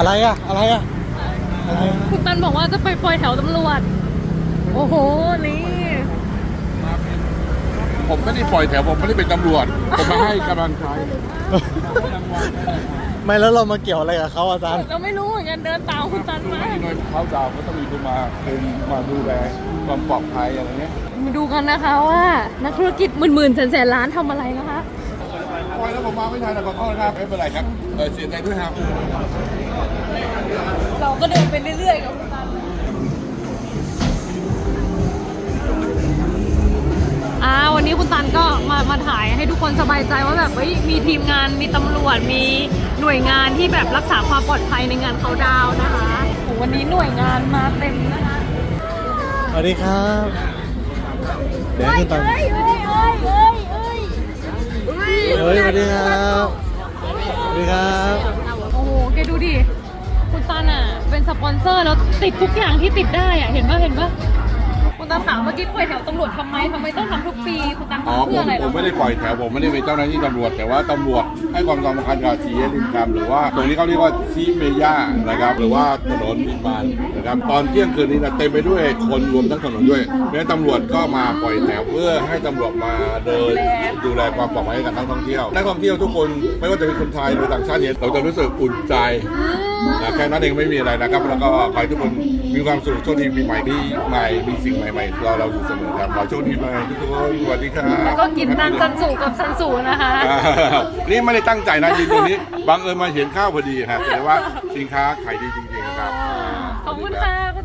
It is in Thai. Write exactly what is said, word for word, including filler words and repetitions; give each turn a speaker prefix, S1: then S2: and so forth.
S1: อะไรอะอะไรอะอะไร
S2: คุณตันบอกว่าจะไปปล่อยแถวตำรวจโอ้โหนี่
S3: ผมไม่ได้ปล่อยแถวผมไม่ได้เป็นตำรวจผมมาให้กำลังใจ
S1: ไม่แล้วเรามาเกี่ยวอะไรกับเขาอาจารย์
S2: เราไม่รู้เหมือนกันเดินตามคุณตันมา
S3: หน่วยเขาดาวก็ต้องมีคนมาคุมมาดูแลความปลอดภัยอะไรเงี้ย
S2: มาดูกันนะคะว่านักธุรกิจหมื่นๆแสนๆล้านทำอะไรนะคะ
S3: ปล่อยแล้วผมมาไม่ทันนะขอโทษนะครับไม่เป็นไรครับเออเสียใจด้วยครับ
S2: เราก็เดินไปเรื่อยๆกับคุณตันอ่าวันนี้คุณตันก็มามาถ่ายให้ทุกคนสบายใจว่าแบบเฮ้ยมีทีมงานมีตำรวจมีหน่วยงานที่แบบรักษาความปลอดภัยในงานเขาดาวน์นะคะโอ้วันนี้หน่วยงานมาเต็มนะคะ
S1: สวัสดีครับเดี๋ยวให้คุณตัน
S2: เอ้ยเอ้ยเอ้ยเอ้ยเอ้ย
S1: เฮ้ยสวัสดีครับสวัสดีครับ
S2: โอ้โหแกดูดิคุณตันอ่ะเป็นสปอนเซอร์แล้วติดทุกอย่างที่ติดได้อ่ะเห็นป่ะเห็นป่ะคุณตันถามเมื่อกี้ปล่อยแถวตำรวจทำไมทำไมต้องทำทุกปีคุณตัน
S3: อ๋อ
S2: ทำ
S3: ผ
S2: เพื่อ
S3: ม
S2: อะไร
S3: ผ
S2: ล่ะ
S3: มไม่ได้ปล่อยแถวผมไม่ได้เป็นเจ้าหน้าที่ตำรวจแต่ว่าตำรวจให้ความสำคัญกับสี่แยกริมคำหรือว่าตรงนี้เขาเรียกว่าซีเมย่านะครับหรือว่าถนนบินบานนะครับตอนเที่ยงคืนนี้นะเต็มไปด้วยคนรวมทั้งถนนด้วยเพราะฉะนั้นตำรวจก็มาปล่อยแถวเพื่อให้ตำรวจมาเดินดูแลความปลอดภัยให้กับนักท่องเที่ยวนักท่องเที่ยวทุกคนไม่ว่าจะเป็นคนไทยหรือต่างชาติเนี่ยเราจะรู้สึกอุ่นใจนะแค่นั้นเองไม่มีอะไรนะครับแล้วก็ขอให้ทุกคนมีความสุขโชคดีปีใหม่ที่ใหม่มีสิ่งใหม่ๆเราเราอยู่เสมอครับขอโชคดีไปทุกคนสวัสดีครับ
S2: แล้วก็กินตันซันสูกับซันสูนะคะ
S3: อ่านี่ไม่ได้ตั้งใจนะยืนตรงนี้บังเอิญมาเห็นข้าวพอดีฮะแต่ว่าสินค้าขายดีจริงๆนะครับ
S2: ขอบคุณค่ะคุณ